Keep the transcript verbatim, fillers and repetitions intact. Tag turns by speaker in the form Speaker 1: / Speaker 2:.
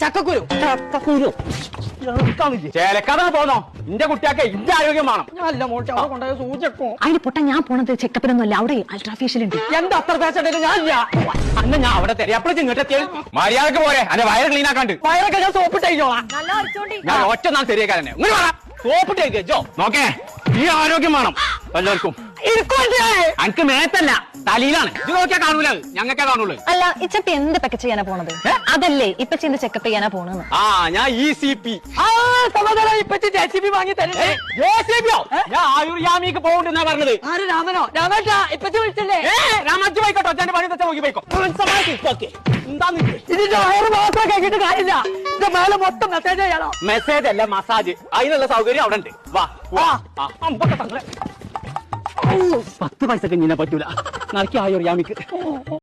Speaker 1: ചക്കക്കുരു ചക്കക്കുരു
Speaker 2: ചേലക്കഥ പോന്നോ എന്റെ കുട്ടിയൊക്കെ എന്റെ ആരോഗ്യം വേണം.
Speaker 1: നല്ല മോട്ടെ അവിടെ കൊണ്ടുപോയ സൂചക്കോ
Speaker 3: അതിന് പൊട്ട ഞാൻ പോണത് ചെക്കപ്പിനൊന്നും അല്ല, അവിടെ അൾട്രാഫേഷ്യൽ ഉണ്ട്.
Speaker 1: എന്താ അത്ര പേശണ്ടേ? ഞാൻ
Speaker 2: അന്ന് ഞാൻ അവിടെ തരാം. അപ്പോഴേക്കും ഇങ്ങോട്ട് എത്തിയാൽ മര്യാദക്ക് പോരെ. അന്റെ വയറ് ക്ലീൻ ആക്കാണ്ട്
Speaker 1: വയറൊക്കെ ഞാൻ സോപ്പിട്ടോളാം.
Speaker 2: ഞാൻ ഒറ്റ നാൾ ശരിയാക്കാരനെ ഇങ്ങനെ വേണം സോപ്പിട്ടേക്കോ. നോക്കേ ഈ ആരോഗ്യം വേണം എല്ലാവർക്കും. എനിക്ക് മേത്തല്ല തലയിലാണ്. ഇത് നോക്കിയാ കാണൂല, ഞങ്ങൾക്കേ കാണുള്ളൂ.
Speaker 3: അല്ല ഇച്ചപ്പ എന്ത് പെക്ക ചെയ്യാനാ പോണത്? അതല്ലേ ഇപ്പൊ ചെയ്ത് ചെക്കപ്പ് ചെയ്യാനാ പോണെന്ന്.
Speaker 2: ആ ഞാൻ ഇ സി പി
Speaker 1: ഇപ്പച്ചി ജെ സി ബി വാങ്ങി തരേ.
Speaker 2: ഞാൻ ആയുർയാമിക്ക് പോകണ്ടെന്നാ പറഞ്ഞത്.
Speaker 1: ആര് രാമനോ? രാമേട്ടാ ഇപ്പച്ചി വിളിച്ചല്ലേ?
Speaker 2: രാമജി പോയിക്കോട്ടോ, അച്ഛന്റെ പണി തെച്ച നോക്കി പോയിക്കോ.
Speaker 1: ഇതിന്റെ വയറ് മാത്രം കേട്ടിട്ട് കാര്യമില്ല. ഇതിന്റെ മേലെ മൊത്തം മെസ്സേജ് ചെയ്യാനോ?
Speaker 2: മെസ്സേജ് അല്ല മസാജ്. അതിനുള്ള സൗകര്യം അവിടെ ഉണ്ട്. വാ വാ. പത്ത് പൈസക്ക് ഇങ്ങനെ പറ്റൂല. നടക്കി ആയുർയാമിക്ക്.